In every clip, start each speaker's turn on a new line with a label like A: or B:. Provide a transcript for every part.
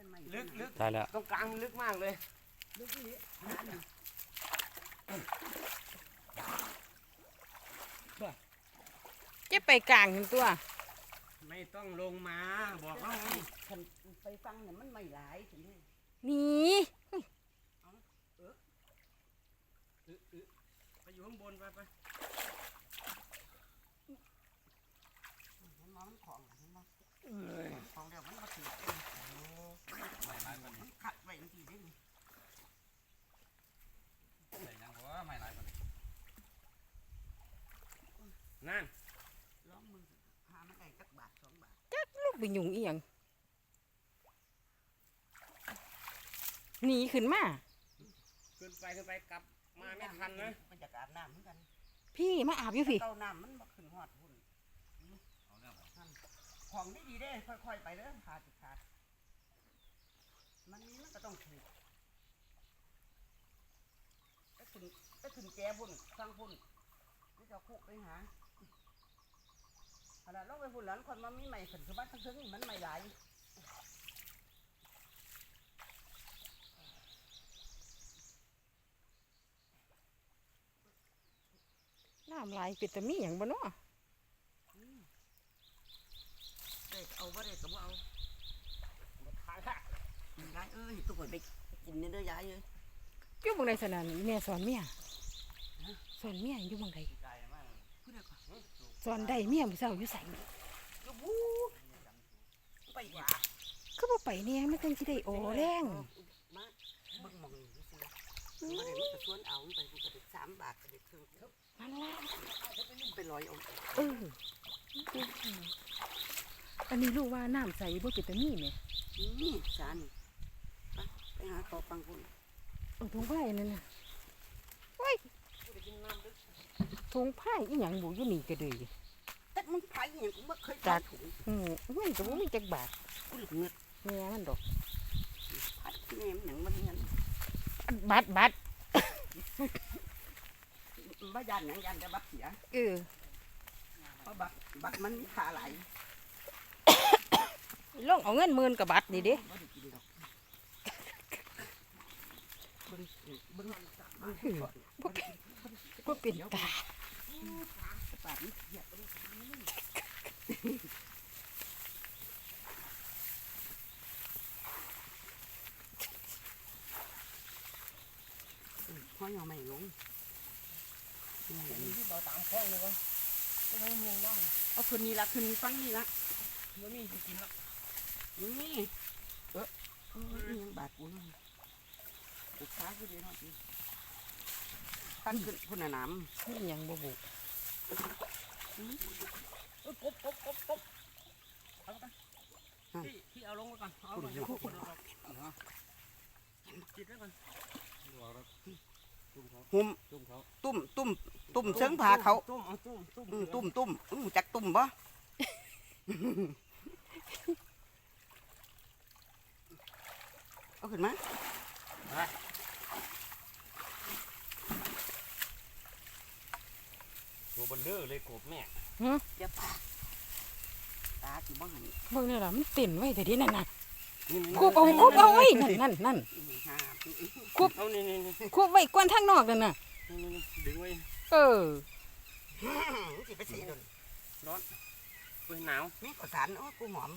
A: ลึก
B: ตายแล้ว
A: ตรงกลางมันลึกมากเลย
C: ลึกนี่
D: จะไปกลางถึงตัว
A: ไม่ต้องลงมาบอกว่าไง
C: คันไปฟังเนี่ยมันไม่หลายถึงนี่
D: นี่
A: ไปอยู่ข้างบนไป
C: มันมองของเห็นบ่ของเดียวมันมาถือมันขัดไว้จริงๆได้นี่
A: นั่น
C: ล้อมมือหามันได้จักบาท2 บาท
D: ลูกไปยุงอีหยังหนีขึ้นมา
A: ขึ้นไปกลับมาไม่ทันนะ
C: มันจะอาบน้ำเหมือนกัน
D: พี่มาอาบอยู่พี่
C: เต้าน้ำมันบ่ขึ้นฮอดหุ่นของดีๆเด้ค่อยๆไปเด้อขาดขาดมันก็ต้องถูกไปขึ้นแกพุ่นสร้างพุ่นนี่จะคุกไปหาขนาดเราไปพุ่นหลานคนมามีใหม่ขึ้นคือบ้านทั้งทึงมันไม่หลาย
D: น้ำลายเป็ดตะมีอย่างบ่เนาะ
C: เด็กเอาบ่ได้ก็บ่เอา
A: ขายละ
C: ยายเอ้ยตัวไปกินนี่เด้อยายเอ้ย
D: อยู่บังใดสนานแม่สอนเมียสอนเมียอยู่บังใด
C: ผู้ใดก่อน
D: สอนได้เมียมื้อเช้าอยู่ไส
C: ก็บูไปหว่า
D: คือบ่ไปเนี่ยมันจังสิได้โอแรง
C: มาเบิ่งหมองนี่ซื่อมาได้มันก็ชวนเอามันไปกูก็ได้3 บาทก็ได้ครึ่ง
D: นั่นล่ะ
C: ไปลอยเอา
D: เอออันนี้รู้ว่าน้ำใสบ่เป็ดตะมีแหม
C: นี่จานไปหาขอปังพุ่น
D: เอาถุงผ้านั่นน่ะโอ้ยถุงผ้าอีหยังบ่อยู่นี่ก็เด้อ
C: แต่มันไผอหยังกูบ่เคยจัดถุง
D: มันก็บ่มีจักบาท
C: กูเหลือเงิน
D: แม่มันดอก
C: ไผแม่มันหยังมันเงิน
D: บัตร
C: บ่ยันหยังยันแต่บัตรเสีย
D: เออ
C: เพราะบัตรมันมีค่าหลาย
D: ลองเอาเงิน10,000กับบัตรนี่เด้
C: บ่ได้กินดอกเบิ่ง
D: บ่เป็นตา
C: ปากนี่เหยียบไปห้อยเอาไม่ลง
A: ที่เราตามคลองเลยวะไม่เมืองว่าง
C: เอาคืนนี้ละคืนนี้ฟังนี่ละ
A: มันมีกินละ
C: นี่ยังบาดกูนั่นกูค้ากูเดียวนั่นตั้งขึ้นพุ่นน้
D: นี่หยังบ่บุ
A: กบเอาไปที่เอาลงไว้ก่อนเอาไปจิตไว้ก่อน
C: ำหุ่มตุ่มเชิงผาเขา
A: ตุ้ม
C: จักตุ่มบ่เอาขึ้นมา
A: ตัวเบลเลอร์เลยกบแม่
C: อย่าปากตาสิบ่หัน
D: เบิ่งนี่ล่ะมันเต้นไว้แต่เดินั่นน่ะ
A: นี่
D: คูบเอาไว้นั่น
C: หา
A: เอานี่
D: คูบไว้กวนทางนอกนั่นน่ะ
A: ดึงไว้
D: เออ
C: สิไปสีโดน
A: ร้อนเว้ยหนาว
C: นี่ก็สารโอ้กูหอม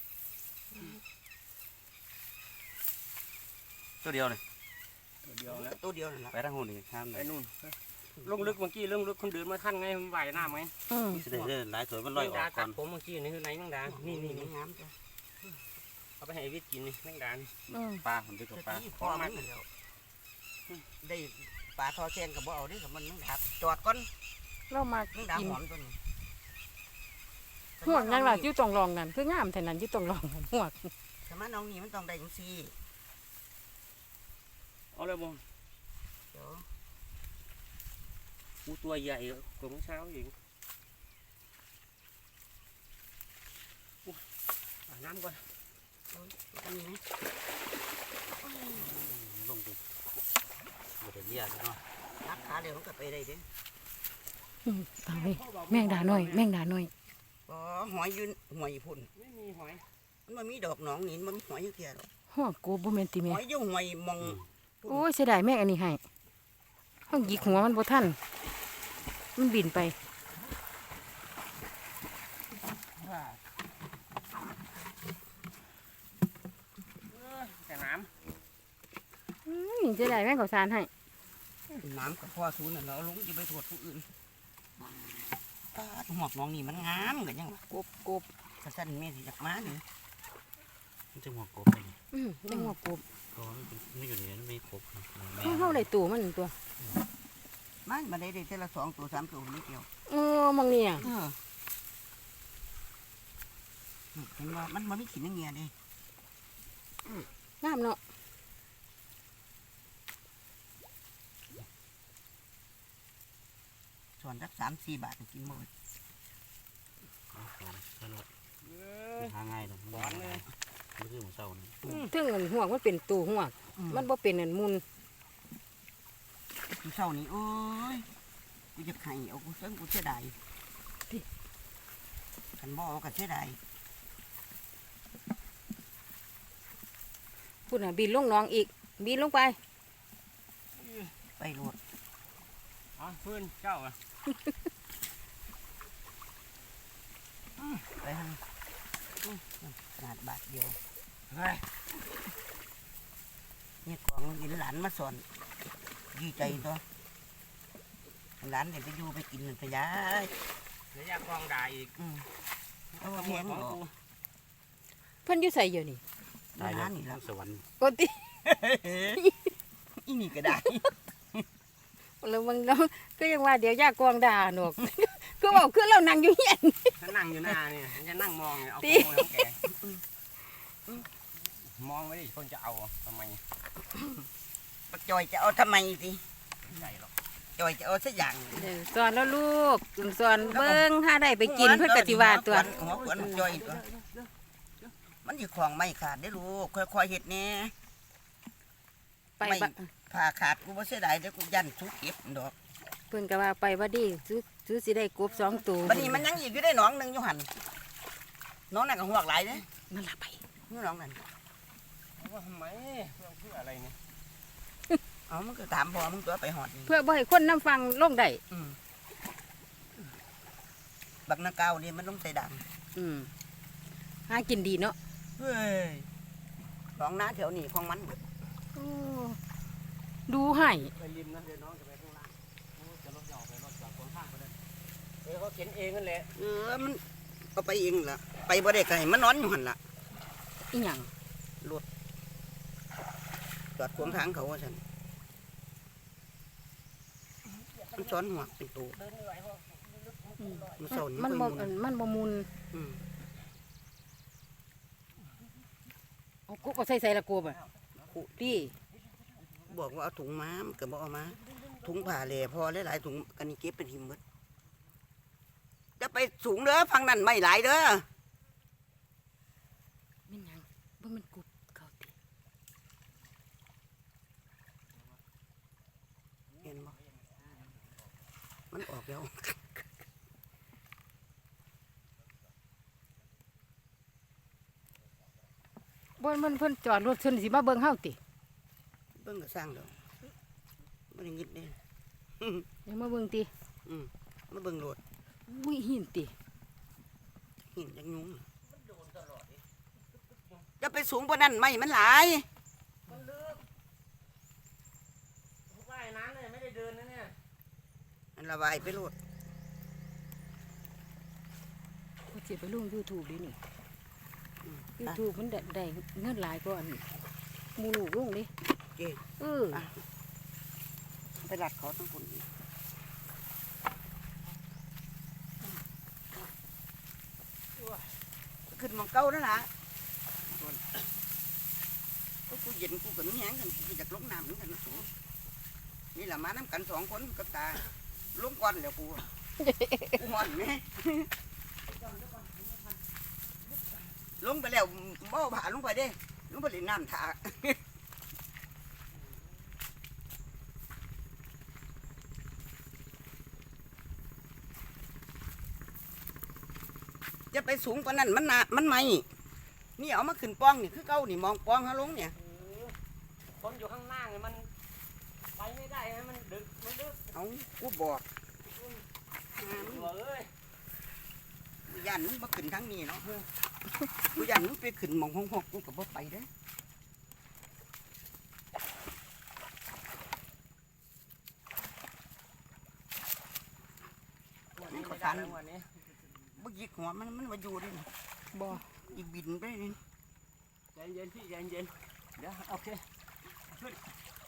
B: ตัวเดียวเลย
A: เดียวแล้ว
C: ตัวเดียวนั่นแหละ
B: ไปทางหูนี่ข้าม
A: ไอ้นู่นลงลึกเมื่อกี้ลงลึกคนเดินมาท่านไงมันไหวน้ำไง
B: สิได้เดินหลายตัวมันลอยออกก่
A: กั
B: อ
A: ด
B: น
A: ผมเมื่อกี้นี่คือไหนแมงดานี่
C: งามจ้ะ
A: เอาไปให้วิทย์กินนี่แมงดานี่
B: ปลาผมจะกับปลา
C: พ่อมันแล้วได้ปลาทอแซงกับบ่เอาดิกับมันนึงดับจอดก่อน
D: เรามา
C: นึงดับ
D: กิน
C: หอมตัวนี้
D: ห่วงยังล่ะอยู่ตรงรองนั่นคืองามแท้นั้นอยู่ตรงรองนั่นห่วง
C: สมัยน้องนี่มันต้องได้จังซี่
A: เอาเลยบ่
C: เดี๋ยว
A: กูตัวใหญ่กว่าเมื่อเช้าอีกน้ำก่อน
C: อันนี้
B: ลงดิบ่ได้เลี้ยซะเนาะ
C: นักขาเดี๋ยวมันก็ไปได้เด้
D: ตายแมงดาน้อย
C: อ๋อหอยยืนหอยพุ่น
A: ไม่มีหอย
C: มันมีดอกหนองนี่มันมีหอยอยู่เทียหรอก
D: หห้องกบบ่แม่นติ
C: ห
D: แม่
C: อยอยู่หอยมอง
D: โอ้ยเสียดายแม่งอันนี้ให้ห้องหยิกหัวมันบ่ทันมันบินไป
C: ว่า
A: แต่น้
D: เสียดายแม่งเขาสารให้
C: น้ำกับพ่อศูนย์น่ะเราลงจะไปโทษผู้อื่นหมอกน้องนี่มันงามกันยัง
D: กบ
C: กระสันแม่สิจากม้านี่
B: มันจะหัวกบไปนี่
D: ได้หัวกบ
B: เพราะว่ามันไม่อยู่ในนั้นไม่ครบนะแม่
D: เฮาได้ตัวมันตัว
C: ม้ามาได้แต่ละ2 ตัว 3 ตัวนี่เกี่ยว
D: มองเนี่ย
C: เห็นว่ามันไม่ขีดเงี้ยเลย
D: งามเนาะ
C: ส่วนสัก3-4 บาทกินหมด
B: ตลอดหาง่ายเลยมันคือหมูเศร้านี่
D: ถึงอันหัวมันเป็นตัวหัวมันบ่เป็นอันมุน
C: กูเศร้านี่โอ้ยกูจะไข่เอากูเส้นกูเสียดายขันบ่เอากันเสียดาย
D: พุ่นน่ะบินลงหน้องอีกบินลงไป
C: ไปโหลด
A: ำอ๋อพื้นเจ้าอ่ะ
C: ไปทางขนาดบาทเดียว
A: เฮ้ย
C: เนี่ยของกินหลานมาสอนดีใจตัวหลานเดี๋ยวไปอยู่ไปกินมันไปย้าย
A: เดี๋ยวยากกองด่าอีก
C: เอาแพงหรอ
D: เพิ่นอยู่ใส่อยู่นี่
B: ตายแล้ว
C: นี่แล้ว
B: สวรรค์
D: ปกติ
C: อีนี่ก็ได้
D: แล้วบางน้องก็ยังว่าเดี๋ยวยากองด่าหนอก ก็บอกคือเรานั่งอยู่เฮียน
A: ถ้านั่งอยู่หน้าเนี่ยมันจะนั่งมองเนี่ยเอา
D: ตี
A: โกยของแกมองไม่ได้คนจะเอาทำไม
C: ปักจอยจะเอาทำไมสิ
A: ใหญ่หรอก
C: จอยจะเอาสักอย่าง
D: สอนแล้วลูกสอนเบิ่งถ้าได้ไปกินเพิ่นก็สิว่าตัว
C: หัวขวนจอยตัวมันสิของไม่ขาดได้ลูกค่อยๆเฮ็ดแน่
D: ไป
C: ไม่
D: บะ
C: ผ่าขาดกูบ่เสียดายเด้อกูยันสุกเก็บดอก
D: เพิ่นก็ว่าไปว่าดีซื้อสิได้กบ2ตัว
C: บัดนี้มันยังอีกอยู่ได้หนองหนึงอยู่หั่นน้องนั่นก็หวกหลายเด้
D: นั่นล่ะไป
C: นี่น้องนั่น
A: ว่าทำไมเพื่ออะไรเนี่ย
C: เอามันก็ถามพ่อมึงตัวไปหอดนี่
D: เพื่อบ่ให้คนนํฟังลงได้
C: อืมบักนาเกาวนี่มันต้องใส่ดัง
D: หากินดีเนาะ
C: เฮ้ยของน้าแถวนี้ของมัน
D: โอ้ดูให้
A: ไปริมนะเดี๋ยวน้องจะไปข้างล่างจะรถจะออกไปรถจอดตรงข้างไปเลยเขาเข็นเองนั่นแหละ
C: มันเอาไปเองล่ะไปบ่ได้ไกลมันนอนอยู่หั่นล่ะ
D: อีหยัง
C: จอดขวางทางเขาว่าฉันมันซ้อนหัวเป็นตัว
A: เดินไม่ไหวเพราะ
C: มันเศร้านี่
D: มัน
C: ค่
D: บ่
C: อยมุน
D: มันบ่มุน
C: อืม
D: เอากบเอาใส่ละกบอ่ะดี
C: บอกว่าเอาถุงม้ามันก็บอกเอามาถุงผ่าแหล่พอหลายๆถุงกันนี่เก็บเป็นหิมหมดจะไปสูงเด้อฟังนั่นไม่หลายเด้อ
D: แม่นหยังบ่แม่นกบเขาติ
C: เห็นบ่มันออกแล้ว
D: บ่มันเพิ่นจอดรถเพิ่นสิมาเบิ่งเฮาติ
C: เบิ่งก็สร้างดอกบ่ได้งิดเด้
D: เดี๋ยวมาเบิ่งติ
C: มาเบิ่งโลด
D: อุ้ยหินติ
C: หินจังยุงจะไปสูงกว่านั้นไม่มันหลาย
A: มันลึกว่ายน้ำเนี่ยไม่ได้เดินนะเนี่ย
C: มันระบายไปโลด
D: ก็สิไปลง YouTube ดินี่ YouTube มันได้เงินหลายกว่าอันหมู่ลูกลงดิ
C: เจ๊
D: อ่ะ
C: ไปหลัดเขาทั้งคนอีกขึ้นหมองเก้านั่นล่ะกูเย็นกูก็มีแห้งกันกูอยากลงน้ำเหมือนกันนะสูนี่แหละมาน้ำกัน2 คนกับตาลงก่อนแล้วกูกูหอนไหมลงไปแล้วบ่ผ่าลงไปเด้ลงไปเล่นน้ำถาจะไปสูงกว่านั้นมันหนามันไหมนี่เอามาขึ้นป้องนี่คือเก่านี่มองป้องหาลงเนี่ย
A: คนอยู่ข้างล่างเนี่ยมันไปไม่ได้นะมันดึกมันดึก
C: เอากูบอกหา
A: หัวเอ้ย
C: มึงยันมึงมาขึ้นทางนี้เนาะกูยันมึงไปขึ้นหมองห้องกูก็บ่ไปเด้อ
A: วันนี้ไม่ได้แล้ววันนี้
C: บ่หยิกหัวมันมาอยู่ดิ
D: บ่
C: อีบินไปนี่
A: ใจเย็นพี่ใจเย็นเดี๋ยวโอเคขึ้น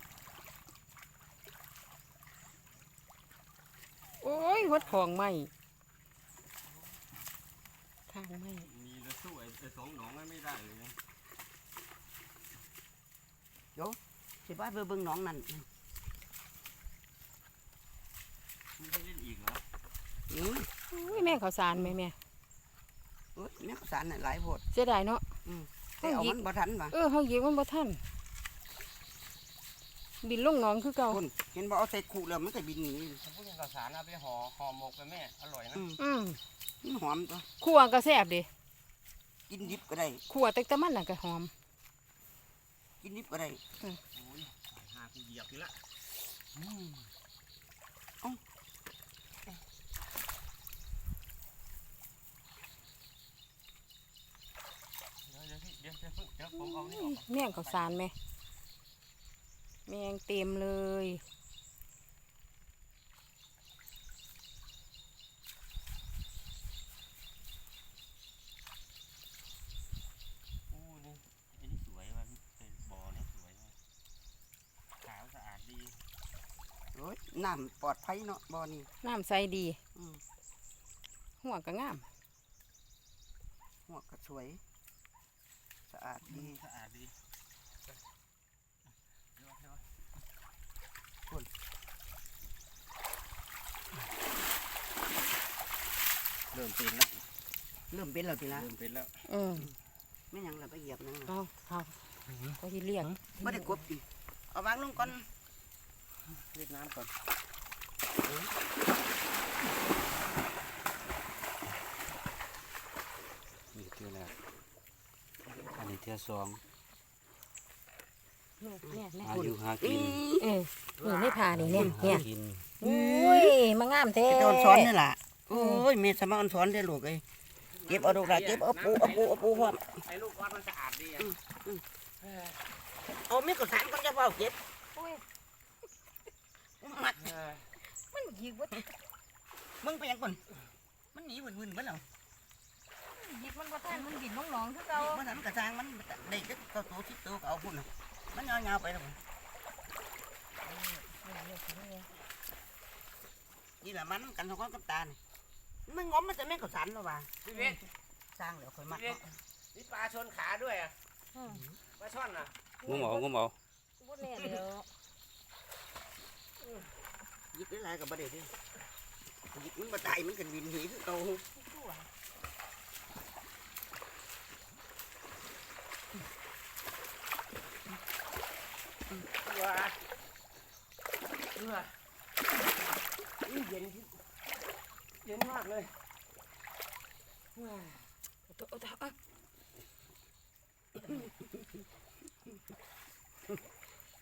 D: โอ้ยวัดของใหม่ทางใหม่
B: มีจะสู้ไอ้สองหนองไม่ได้เลยนะ
C: สิว่าเบิ่งน้องนั่น
B: ไม่ได้เล่นอีกเหรอ
C: อือ
D: อุ้ยแม่ข้าวสารแม่
C: เอ้ยแม่ข้าวสารน่ะหลายโพด
D: เสียดายเนาะ
C: แต่เอามันบ่ทันว่ะ
D: เฮาหยิบมันบ่ทันบินลงหนองคือเก่า
C: คุณเห็นบ่เอาใส่ขู่แล้วมันก็บินหนี
A: ผมพูดถึงข้าวสารเอาไปห่อหมกไปแม่อร่อยนะ
D: อืม
C: มันหอมตัว
D: ขั่วก็แซ่บดิ
C: กินดิบก็ได้
D: ขั่วแต่มันน่ะก็หอม
C: กินดิบก็ได้
A: โอ้ยหากูเหยียบอีกละเดี๋ยวพี่เดี๋ยวผมเอานี่ออก
D: แม่งข้าวสารแม่แมงเต็มเลย
B: อู้นี่ไอ้นี่สวยว่ะเป็นบ่อนี่สวยว่ะขาวสะอาดดี
C: โอ้ยน้ำปลอดภัยเนาะบ่อนี่
D: น้ำใสดี
C: อืม
D: หัวก็งาม
C: หัวก็สวย สะอาดดี
B: สะอาดดี
A: เริ่มเป็นแล้ว
C: เริ่มเป็นแล้วทีละ
A: เริ่มเป็นแล้ว
D: อืม
C: ไม่หยังเราไปเหยียบนั่ง
D: เอาก็ที่เรียก
C: ไม่ได้กบดิเอาวางลงก่อน
A: เรียกน้ำก่อน
B: นี่เที่ยวแรกอันนี้เที่ยวสอง
D: เนี่ยเนี่ย
B: หาอยู่หากิน
D: นี่ไม่ผ่านี่เนี่ย
B: หา
D: เนี่ย
B: กิน
D: อุ้ยมางามแท้
C: ไปโดนซ้อนนี่ล่ะโอ้ยเมีสมาอันซ้อนได้ลูกเอ้ยเก็บเอาดอกละเก็บเอาปูพร้อม
A: ไอ้ลูกวัดมันสะอาดดีอ่ะ
C: เอามีกระสานก็จะเฝ้าเก็บมัด
D: มันยิงวัด
C: มึงไปยังก่อนมันหนีวุ่นๆมันเอา
D: ยิงมันบ่ทันมันบินลงหนองคือเก่า
C: มันนั้นกระสางมันได้ก็ตัวที่ตัวก็เอาพุ่นน่ะมันยาวๆไปแล้วนี่แหละมันกันเขาก็กับตาเนี่ยมันงอมมันจะแม่งกระสานหรอวะ
A: พี่เวท
C: สร้างแล้วค่อยมัด
A: พี่เวทนี่ปลาชนขาด้วยอ่ะปลาช่อนอ่ะ
B: งมเอา
D: บ่แน่เด้อ
C: ยิบได้หลายกับประเดี๋ยวดิยิบมันมาตายมันกันวินหีคือเก่า
A: ว้าเย็นเย็นมากเลย
D: เอา